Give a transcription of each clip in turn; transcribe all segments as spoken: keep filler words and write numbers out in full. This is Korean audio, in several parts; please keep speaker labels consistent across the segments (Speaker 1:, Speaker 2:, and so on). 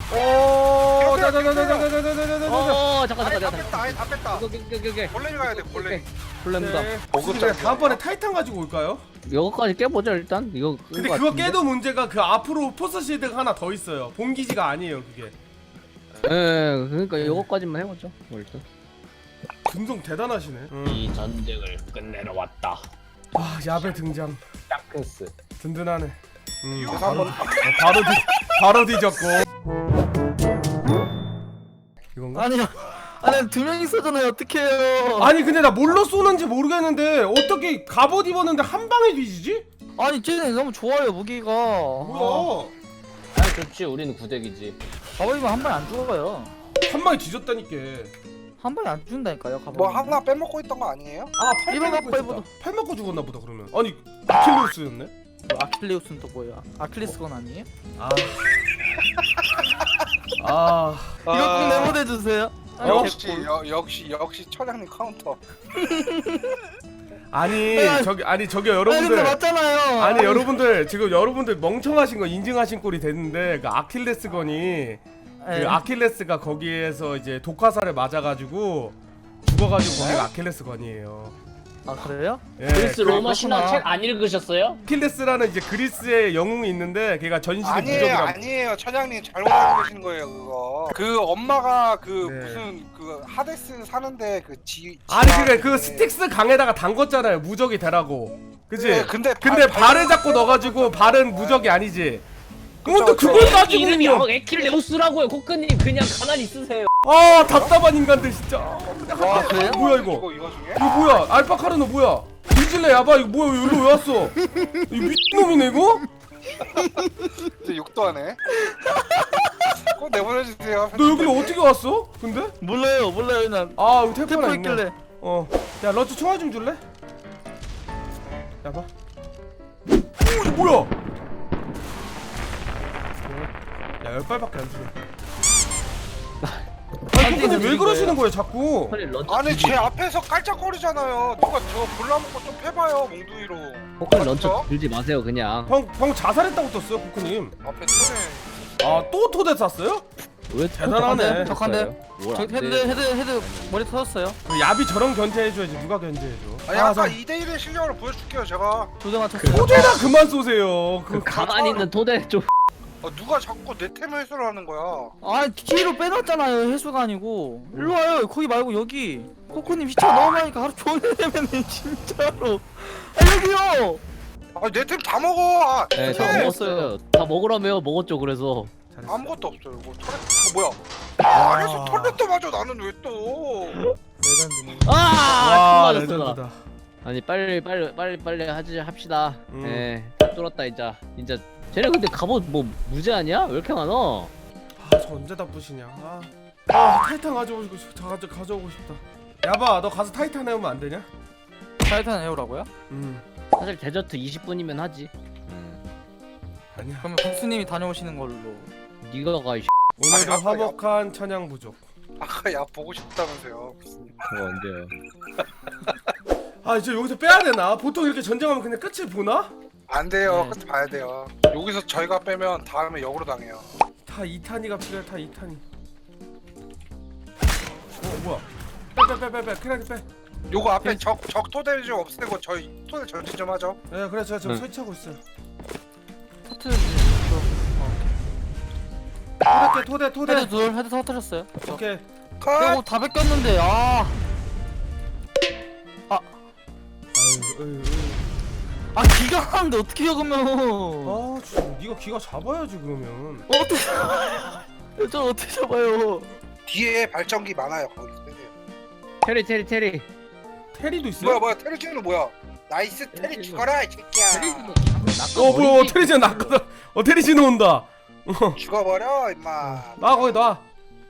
Speaker 1: 오, 자자자자자자자자자자자.
Speaker 2: 어 잠깐
Speaker 3: 아예
Speaker 2: 잠깐
Speaker 3: 다
Speaker 2: 잠깐.
Speaker 3: 뺐다. 아예 다 뺐다.
Speaker 2: 오케이 오케이 오케이 오케이.
Speaker 3: 골렘이 가야 돼. 골렘.
Speaker 2: 블랙무다.
Speaker 1: 우리가 다음번에 타이탄 가지고 올까요?
Speaker 2: 이거까지 깨보자 일단. 이거.
Speaker 1: 근데 그거 깨도 문제가 그 앞으로 포스 실드가 하나 더 있어요. 본기지가 아니에요 그게.
Speaker 2: 예, 그러니까 이거까지만 해보죠. 뭐 일단.
Speaker 1: 근성 대단하시네. 응.
Speaker 2: 이 전쟁을 끝내러 왔다.
Speaker 1: 아 야배 등장.
Speaker 2: 짱크스.
Speaker 1: 든든하네. 음,
Speaker 3: 그래서
Speaker 1: 바로,
Speaker 3: 한번-
Speaker 1: 어, 바로 뒤 바로 뒤졌고. 이건가?
Speaker 4: 아니요. 아니 두 명 있었잖아요. 어떡해요?
Speaker 1: 아니 근데 나 뭘로 쏘는지 모르겠는데 어떻게 갑옷 입었는데 한 방에 뒤지지?
Speaker 4: 아니 쟤네 너무 좋아요 무기가.
Speaker 1: 뭐야?
Speaker 2: 아 좋지. 우리는 구대기지.
Speaker 4: 가버리면 한 방에 안 죽어요.
Speaker 1: 한 방에 뒤졌다니까.
Speaker 4: 한 방에 안 죽는다니까요. 가버리면.
Speaker 3: 뭐 하나 빼먹고 있던 거 아니에요?
Speaker 1: 아, 팔
Speaker 4: 이번
Speaker 1: 빼먹고
Speaker 4: 갖고
Speaker 1: 있었다. 팔 먹고 죽었나 보다 그러면. 아니 아킬레우스였네?
Speaker 4: 아킬레우스는 또 뭐야? 아킬레스건 아니에요?
Speaker 1: 아. 아.
Speaker 4: 이거 꼭 네모내 주세요. 아니,
Speaker 3: 역시
Speaker 4: 개꿀.
Speaker 3: 여, 역시 역시 처장님 카운터.
Speaker 1: 아니
Speaker 4: 아니,
Speaker 1: 저기 아니 저기
Speaker 4: 아니 근데
Speaker 1: 여러분들
Speaker 4: 맞잖아요.
Speaker 1: 아니 여러분들 지금 여러분들 멍청하신 거 인증하신 꼴이 됐는데 그 아킬레스건이 그
Speaker 4: 네.
Speaker 1: 아킬레스가 거기에서 이제 독화살을 맞아가지고 죽어가지고 거기가 아킬레스건이에요.
Speaker 4: 아 그래요?
Speaker 1: 예,
Speaker 2: 그리스
Speaker 1: 그
Speaker 2: 로마 신화
Speaker 4: 그렇구나.
Speaker 2: 책 안 읽으셨어요?
Speaker 1: 아킬레스라는 이제 그리스의 영웅이 있는데 걔가 전신에
Speaker 3: 아니에요,
Speaker 1: 무적이라.
Speaker 3: 아니에요. 처장님 잘못 알고 계신 거예요, 그거. 그 엄마가 그
Speaker 1: 네.
Speaker 3: 무슨 그 하데스 사는데 그 지.
Speaker 1: 아니
Speaker 3: 지하
Speaker 1: 그래 그
Speaker 3: 그-
Speaker 1: 스틱스 강에다가 담궜잖아요 무적이 되라고. 그치?
Speaker 3: 네, 근데
Speaker 1: 근데
Speaker 3: 발-
Speaker 1: 발을 잡고 넣어가지고 발은 무적이 아니지.
Speaker 3: 그쵸,
Speaker 1: 근데
Speaker 3: 그쵸.
Speaker 1: 그걸 따지고
Speaker 2: 이름이
Speaker 1: 있냐?
Speaker 2: 어, 에킬레우스라고요. 코크님 그냥 가만히 있으세요.
Speaker 1: 아 답답한 인간들 진짜.
Speaker 3: 와,
Speaker 4: 그래요?
Speaker 1: 뭐야 이거?
Speaker 3: 이거 이거 중에?
Speaker 1: 이거 뭐야? 알파카르노 뭐야? 뒤질래 야바 이거 뭐야? 왜 여기로 왜 왔어? 이 미친놈이네 이거?
Speaker 3: 이제 욕도 하네. 꼭 내보내주세요.
Speaker 1: 너 여기로 어떻게 왔어? 근데?
Speaker 4: 몰라요, 몰라요 그냥.
Speaker 1: 아 여기 테이프 하나
Speaker 4: 태포
Speaker 1: 있네.
Speaker 4: 있길래.
Speaker 1: 어. 야 러츠 총알 좀 줄래? 야봐. 오 이거 뭐야? 야 열 발밖에 안 주네. 아니 근데 왜 그러시는 거예요 자꾸?
Speaker 2: 빨리 런처.
Speaker 3: 아니 제 앞에서 깔짝거리잖아요. 누가 저 골라먹고 좀 패봐요 몽둥이로.
Speaker 2: 코크님 런처
Speaker 3: 맞죠?
Speaker 2: 들지 마세요 그냥.
Speaker 1: 방, 방 자살했다고 떴어요 코크님.
Speaker 3: 앞에 손에
Speaker 1: 아 또 토대 쐈어요?
Speaker 2: 왜
Speaker 1: 대단하네.
Speaker 4: 덕한데요?
Speaker 2: 뭘
Speaker 4: 저
Speaker 2: 안
Speaker 4: 헤드
Speaker 2: 돼.
Speaker 4: 헤드 헤드 머리 터졌어요.
Speaker 1: 그 야비 저런 견제해줘야지 누가 견제해줘.
Speaker 3: 아니 아까
Speaker 1: 저-
Speaker 3: 이 대 일의 실력을 보여줄게요 제가.
Speaker 4: 두 대 맞췄어요.
Speaker 1: 토대나 그만 쏘세요.
Speaker 2: 그
Speaker 1: 그
Speaker 2: 가만히 있는 토대 좀.
Speaker 3: 아, 누가 자꾸 내 템을 해소를 하는 거야.
Speaker 4: 아니 뒤로 빼놨잖아요. 해수가 아니고. 일로 와요. 거기 말고 여기. 코코님 시차 너무 많으니까 하루 종일 되면은 진짜로. 아 여기요.
Speaker 3: 아 내 템 다 먹어. 아,
Speaker 2: 네, 다
Speaker 3: 템.
Speaker 2: 먹었어요. 다 먹으라며요. 먹었죠 그래서.
Speaker 1: 잘했어.
Speaker 3: 아무것도 없어요. 뭐 터렛 어, 뭐야? 아, 안에서 터렛도 맞아. 나는 왜 또?
Speaker 4: 레전드네.
Speaker 2: 아!
Speaker 1: 와
Speaker 2: 총 맞았어, 나.
Speaker 1: 레전드다.
Speaker 2: 아니 빨리 빨리 빨리 빨리 하지 합시다.
Speaker 1: 음.
Speaker 2: 예, 다 뚫었다 이제. 진짜 쟤네 근데 갑옷 뭐 무제 아니야? 왜 이렇게 많아?
Speaker 1: 아저 언제 다 부시냐. 아, 아 타이탄 가져오고 싶다. 가져 가져오고 싶다. 야바 너 가서 타이탄 해오면 안 되냐?
Speaker 4: 타이탄 에어라고요?
Speaker 1: 음
Speaker 2: 사실 데저트 이십 분이면 하지.
Speaker 1: 아니야.
Speaker 4: 그러면 박수님이 다녀오시는 걸로.
Speaker 2: 네가 가 이.
Speaker 1: 오늘도
Speaker 3: 아니, 아까
Speaker 1: 화목한 천양 부족.
Speaker 3: 아까 야 보고 싶다면서요.
Speaker 2: 그거 언제요?
Speaker 1: 아 이제 여기서 빼야 되나? 보통 이렇게 전쟁하면 그냥 끝을 보나?
Speaker 3: 안 돼요.
Speaker 2: 네.
Speaker 3: 끝 봐야 돼요. 여기서 저희가 빼면 다음에 역으로 당해요.
Speaker 1: 다 이 탄이가 필요해. 다 이 탄이. 어 뭐야? 빼 빼 빼 빼 크라게 빼.
Speaker 3: 요거 앞에 적, 적 토대를 좀 없애고 저희 토대 전진 좀 하죠.
Speaker 1: 네 그래 제가 지금
Speaker 2: 응.
Speaker 1: 설치하고 있어요.
Speaker 4: 터트. 어,
Speaker 1: 토대 토대 토대.
Speaker 4: 헤드 둘 헤드 터트렸어요.
Speaker 1: 오케이.
Speaker 3: 컷!
Speaker 4: 이거 다 뺏겼는데 아.
Speaker 1: 아유 아유.
Speaker 4: 아 기가 하는데 어떻게 적으면
Speaker 1: 아 진짜 네가 기가 잡아야지 그러면.
Speaker 4: 어떻게 잡아요? 저 어떻게 잡아요?
Speaker 3: 뒤에 발전기 많아요. 거기 쓰세요.
Speaker 2: 테리 테리 테리.
Speaker 1: 테리도 있어요?
Speaker 3: 뭐야 뭐야 테리지는 뭐야? 나이스 테리
Speaker 2: 테리지는-
Speaker 3: 죽어라 이 새끼야.
Speaker 1: 어 뭐야 어, 테리지는 나거든. 어 테리지는 온다. 어.
Speaker 3: 죽어버려 임마.
Speaker 1: 나 거기 놔.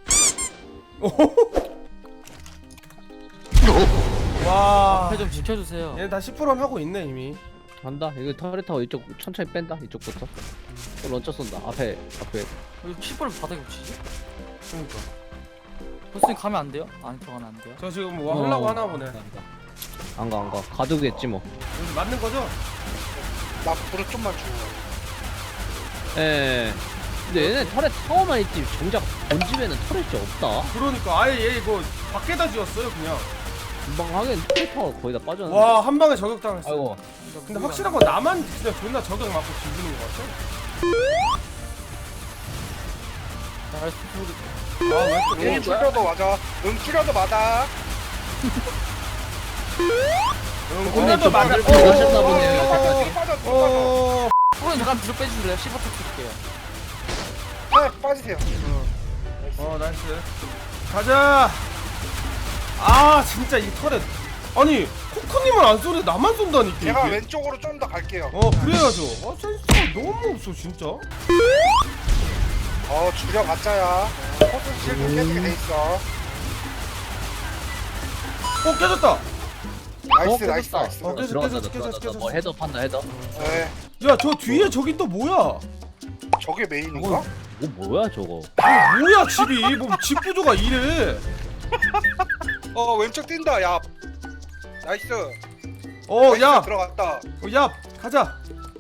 Speaker 1: 와.
Speaker 4: 앞에 좀 지켜주세요.
Speaker 1: 얘는 다 십 퍼센트 하고 있네 이미.
Speaker 2: 간다. 이거 터렛 타고 이쪽 천천히 뺀다. 이쪽부터. 또 런처 쏜다. 앞에 앞에.
Speaker 4: 왜 칩을 바닥에 붙이지?
Speaker 1: 그러니까.
Speaker 4: 보스님 가면 안 돼요? 안 들어가면 안 돼요?
Speaker 1: 저 지금 뭐 하려고
Speaker 2: 어,
Speaker 1: 하나 보네.
Speaker 2: 안 가 안 가. 가두겠지 뭐.
Speaker 1: 여기 맞는 거죠?
Speaker 3: 나 불을 좀만 주고.
Speaker 2: 예. 근데 얘네 털에 타워만 있지 정작 본집에는 터렛이 없다.
Speaker 1: 그러니까 아예 얘 이거 밖에다 지었어요 그냥.
Speaker 2: 금방 하긴 털 타워 거의 다 빠졌는데.
Speaker 1: 와 한 방에 저격당했어.
Speaker 2: 아이고.
Speaker 1: 근데 확실한 건 나만 진짜 존나 저격 맞고 뒤지는 것 같아.
Speaker 4: 나이스 소리.
Speaker 1: 아왜 또?
Speaker 3: 응 킬려도 맞아. 응 킬려도 맞아.
Speaker 1: 응,
Speaker 2: 근데
Speaker 1: 오늘도
Speaker 2: 좀
Speaker 1: 맞아.
Speaker 2: 다들
Speaker 1: 어,
Speaker 2: 그러셨나
Speaker 1: 어,
Speaker 2: 보네요,
Speaker 1: 어,
Speaker 2: 여태까지.
Speaker 3: 또 빠져 또 빠져.
Speaker 1: 어.
Speaker 4: 코코님 잠깐 뒤로 빼주실래요? 십 번 터뜨릴게요.
Speaker 3: 네 빠지세요.
Speaker 1: 어 나이스. 가자. 아 진짜 이 털에 아니 코코님은 안 쏘는데 나만 쏜다니까
Speaker 3: 제가
Speaker 1: 이게.
Speaker 3: 왼쪽으로 좀 더 갈게요.
Speaker 1: 어 그래야죠. 아 센스가 너무 없어 진짜.
Speaker 3: 어 주력 가짜야. 포스 실드 깨지게 돼 있어.
Speaker 1: 어 깨졌다.
Speaker 3: 나이스
Speaker 2: 어,
Speaker 3: 나이스
Speaker 2: 깨졌다.
Speaker 3: 나이스.
Speaker 1: 어, 깨졌-
Speaker 2: 들어갔다
Speaker 1: 깨졌-
Speaker 2: 들어갔다.
Speaker 1: 깨졌-
Speaker 2: 뭐 헤더 판다 헤더.
Speaker 3: 네.
Speaker 1: 야 저 뒤에 저기 또 뭐야?
Speaker 3: 저게 메인인가?
Speaker 2: 뭐 뭐야 저거?
Speaker 1: 아, 뭐야 집이 뭐 집 구조가 이래.
Speaker 3: 어 왼쪽 뛴다. 야. 나이스.
Speaker 1: 어야
Speaker 3: 나이스, 들어갔다.
Speaker 1: 어, 야 가자.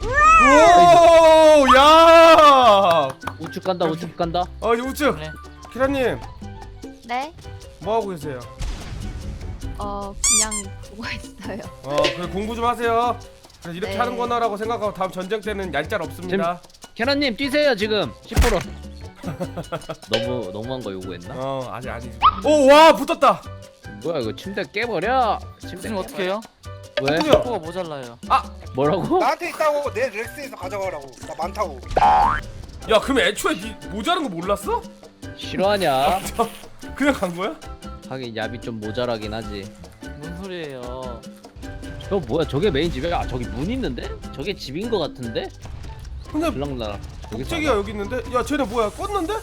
Speaker 1: 오 야.
Speaker 2: 우측 간다 우측 간다.
Speaker 1: 어 우측.
Speaker 4: 네.
Speaker 1: 키라님
Speaker 5: 네?
Speaker 1: 뭐 하고 계세요?
Speaker 5: 어 그냥 보고 있어요.
Speaker 1: 어 그래 공부 좀 하세요. 그래서 이렇게
Speaker 5: 네.
Speaker 1: 하는 거나라고 생각하고 다음 전쟁 때는 얄짤 없습니다.
Speaker 2: 계란님 뛰세요 지금 십 퍼센트. 너무 너무한 거 요구했나?
Speaker 1: 어 아직 아직. 오와 붙었다.
Speaker 2: 뭐야 이거 침대 깨버려. 침대
Speaker 4: 선생님 어떻게 해요?
Speaker 2: 왜?
Speaker 1: 누구야?
Speaker 4: 코가 모자라요.
Speaker 2: 뭐라고?
Speaker 3: 나한테 있다고 내 렉스에서 가져가라고. 나 많다고.
Speaker 1: 야 그럼 애초에 니 모자란 거 몰랐어?
Speaker 2: 싫어하냐?
Speaker 1: 그냥 간 거야?
Speaker 2: 하긴 얍이 좀 모자라긴 하지.
Speaker 4: 뭔 소리예요?
Speaker 2: 저 뭐야 저게 메인 집이야? 아 저기 문 있는데? 저게 집인 거 같은데?
Speaker 1: 근데
Speaker 2: 들락날락. 저기
Speaker 1: 복제기가 여기 있는데? 야 쟤네 뭐야 껐는데?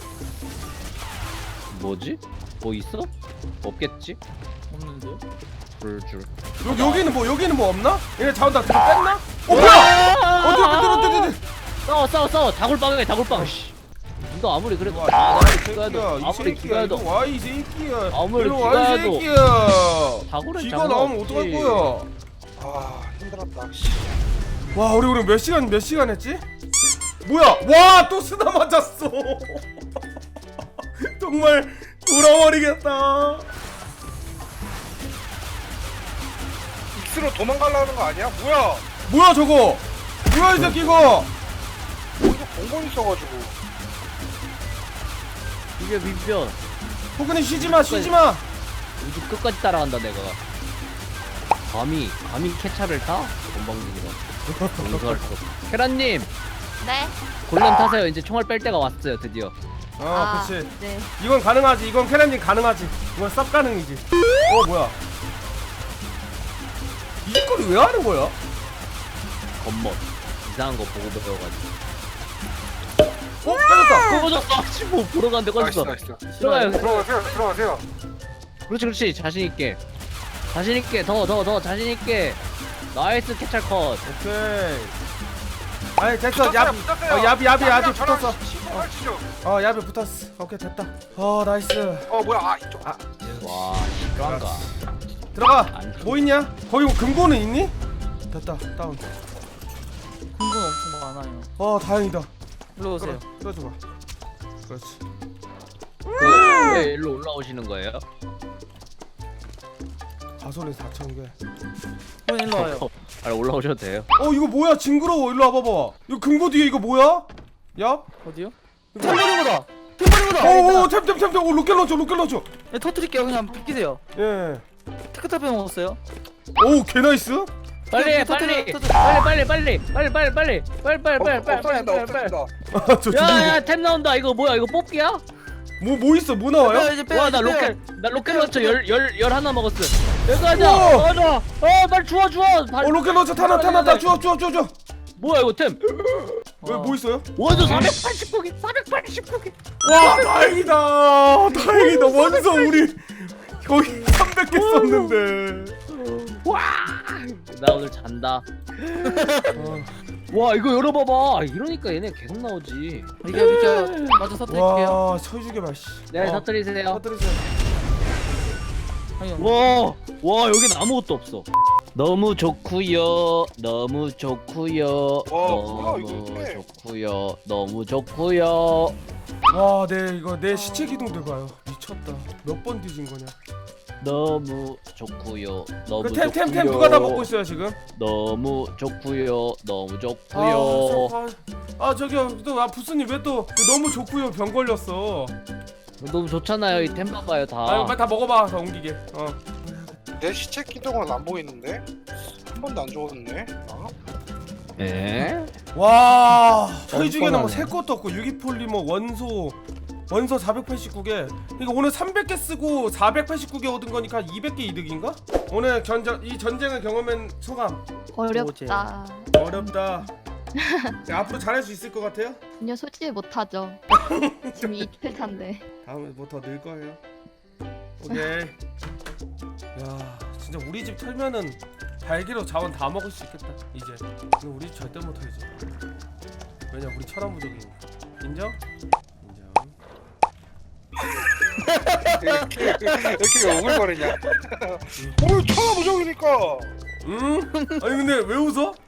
Speaker 2: 뭐지? 뭐 있어? 없겠지?
Speaker 4: 없는데요?
Speaker 2: 불줄.
Speaker 1: 여기 여기는 뭐 여기는 뭐 없나? 얘네 자원 다 들어 뺐나? 어 뭐야? 어디 어디 어디 어디 어디?
Speaker 2: 싸워 싸워 싸워 다굴빵이야 다굴빵. 씨. 이거 아무리 그래도
Speaker 1: 와,
Speaker 2: 아,
Speaker 1: 이
Speaker 2: 죽어야 돼.
Speaker 1: 새끼야, 이
Speaker 2: 아무리
Speaker 1: 새끼야,
Speaker 2: 죽어야
Speaker 1: 이거
Speaker 2: 돼.
Speaker 1: 와 이 새끼야.
Speaker 2: 아무리
Speaker 1: 일로 와 이
Speaker 2: 죽어야도.
Speaker 1: 새끼야.
Speaker 2: 다굴은
Speaker 1: 기가
Speaker 2: 장난
Speaker 1: 나오면
Speaker 2: 없지.
Speaker 1: 어떡할 거야?
Speaker 3: 아 힘들었다. 씨.
Speaker 1: 와 우리 오늘 몇 시간 몇 시간 했지? 뭐야? 와 또 쓰다 맞았어. 정말 돌아버리겠다.
Speaker 3: 익스로 도망가려는 거 아니야? 뭐야?
Speaker 1: 뭐야 저거? 뭐야 이 새끼 이거?
Speaker 3: 여기서 공건 있어가지고.
Speaker 2: 이게 민변.
Speaker 1: 포근이 쉬지 마 쉬지 마.
Speaker 2: 우주 끝까지 따라간다 내가. 감히 감히 캐차를 타? 건방지기가. 용서할 수 없어. 케란님
Speaker 5: 네?
Speaker 2: 곤란 타세요. 이제 총알 뺄 때가 왔어요 드디어.
Speaker 1: 어
Speaker 5: 아,
Speaker 1: 그렇지.
Speaker 5: 네.
Speaker 1: 이건 가능하지. 이건 캐런님 가능하지. 이건 쌉 가능이지. 어 뭐야? 이 짓거리 왜 하는 거야?
Speaker 2: 겉멋. 이상한 거 보고 배워가지고.
Speaker 1: 어 깨졌다.
Speaker 2: 꺼졌어. 지금 보러 갔는데
Speaker 3: 나이스
Speaker 2: 꺼졌어.
Speaker 3: 나이스.
Speaker 2: 들어가요.
Speaker 3: 들어가세요 들어가세요.
Speaker 2: 그렇지 그렇지 자신 있게. 자신 있게 더 더 더 자신 있게. 나이스 캐찰 컷.
Speaker 1: 오케이. 아니 됐어.
Speaker 3: 붙었어요,
Speaker 1: 야비.
Speaker 3: 붙었어요.
Speaker 1: 어 야비 야비 야비
Speaker 3: 저랑
Speaker 1: 붙었어.
Speaker 3: 신고 하시죠.
Speaker 1: 어 야비 붙었어. 오케이 됐다. 어 나이스.
Speaker 3: 어 뭐야? 아 이쪽.
Speaker 1: 아
Speaker 2: 와 실화인가.
Speaker 1: 들어가.
Speaker 2: 안
Speaker 1: 뭐 있냐? 거기 뭐 금고는 있니? 됐다. 다운.
Speaker 4: 금분 엄청 많아요.
Speaker 1: 어 다행이다.
Speaker 4: 일로 오세요.
Speaker 1: 끌어줘봐. 그렇지.
Speaker 2: 그, 왜 일로 올라오시는 거예요?
Speaker 1: 가솔린 사천 개.
Speaker 4: 형 일로 와요.
Speaker 2: 어, 아니 올라오셔도 돼요.
Speaker 1: 어 이거 뭐야 징그러워. 일로 와봐봐. 이거 금고 뒤에 이거 뭐야? 야?
Speaker 4: 어디요? 템버리보다. 템버리보다.
Speaker 1: 오오 템템템템 오 로켓 런처 로켓 런처.
Speaker 4: 네, 터뜨릴게요. 그냥 비키세요.
Speaker 1: 예.
Speaker 4: 테크타 빼먹었어요.
Speaker 1: 오 개나이스.
Speaker 2: 빨리 해,
Speaker 4: 터뜨려,
Speaker 2: 빨리
Speaker 4: 터뜨려.
Speaker 2: 빨리 빨리 빨리 빨리 빨리 빨리 빨리 빨리 빨리 빨리
Speaker 3: 없어진다
Speaker 2: 빨리 빨리
Speaker 3: 없어진다.
Speaker 1: 아, 저
Speaker 2: 야야 템 나온다. 이거 뭐야 이거 뽑기야?
Speaker 1: 뭐뭐 있어? 뭐
Speaker 4: 빼요,
Speaker 1: 나와요?
Speaker 4: 이제 빼요.
Speaker 2: 와 나
Speaker 4: 이제 빼요.
Speaker 2: 로켓 나 로켓 런처 열열열 하나 먹었어. 여기 가자.
Speaker 1: 우와.
Speaker 2: 가자. 어 빨리 주워 주워.
Speaker 1: 어 로켓 런처 타나 타나 타 주워 주워 주워 주워.
Speaker 2: 뭐야 이거 템?
Speaker 1: 왜 뭐 있어요?
Speaker 2: 원소 사백팔십구 개 사백팔십구 개.
Speaker 1: 와 다행이다. 다행이다. 원서 우리 거의 삼백 개 썼는데.
Speaker 2: 와. 나 오늘 잔다.
Speaker 1: 어.
Speaker 2: 와 이거 열어봐봐. 이러니까 얘네 계속 나오지.
Speaker 4: 비켜 비켜. 먼저 터뜨릴게요.
Speaker 1: 와 서유주게 봐. 씨.
Speaker 2: 네
Speaker 1: 어,
Speaker 2: 터뜨리세요.
Speaker 1: 터뜨리세요.
Speaker 4: 형님.
Speaker 2: 와, 와 여긴 아무것도 없어. 너무 좋구요. 너무 좋구요.
Speaker 3: 뭐야, 이거
Speaker 2: 너무
Speaker 3: 어떡해.
Speaker 2: 좋구요. 너무 좋구요.
Speaker 1: 와, 내 이거 내 시체 기둥들 봐요. 미쳤다. 몇 번 뒤진 거냐?
Speaker 2: 너무 좋구요. 너무
Speaker 1: 그 템 템 템
Speaker 2: 좋구요.
Speaker 1: 누가 다 먹고 있어요 지금?
Speaker 2: 너무 좋구요. 너무
Speaker 1: 아,
Speaker 2: 좋구요.
Speaker 1: 저- 아, 아 저기요, 또 아 부스님 왜 또 너무 좋고요 병 걸렸어.
Speaker 2: 너무 좋잖아요. 이 템 봐봐요 다.
Speaker 1: 아, 빨리 다 먹어봐, 다 옮기게. 어.
Speaker 3: 내 시체 기둥은 안 보이는데? 한 번도 안 죽었네. 아?
Speaker 2: 에?
Speaker 1: 와, 저희 중에는 뭐
Speaker 2: 뻔뻔하네.
Speaker 1: 새 것도 없고 유기폴리머 원소 원소 사백팔십구 개. 이거 오늘 삼백 개 쓰고 사백팔십구 개 얻은 거니까 이백 개 이득인가? 오늘 견전 이 전쟁을 경험한 소감.
Speaker 5: 어렵다.
Speaker 1: 어렵다. 야, 앞으로 잘할 수 있을 것 같아요?
Speaker 5: 전혀 솔직히 못하죠. 지금 이틀 차인데.
Speaker 1: 다음에 뭐 더 늘 거예요. 오케이. 야, 진짜 우리 집 털면은 발기로 자원 다 먹을 수 있겠다. 이제. 근데 우리 집 절대 못 털지. 왜냐, 우리 철학 부족이니까. 인정? 인정.
Speaker 3: 이렇게 이렇게 오글거리냐? 오늘 천하 무적이니까.
Speaker 1: 응? 아니 근데 왜 웃어?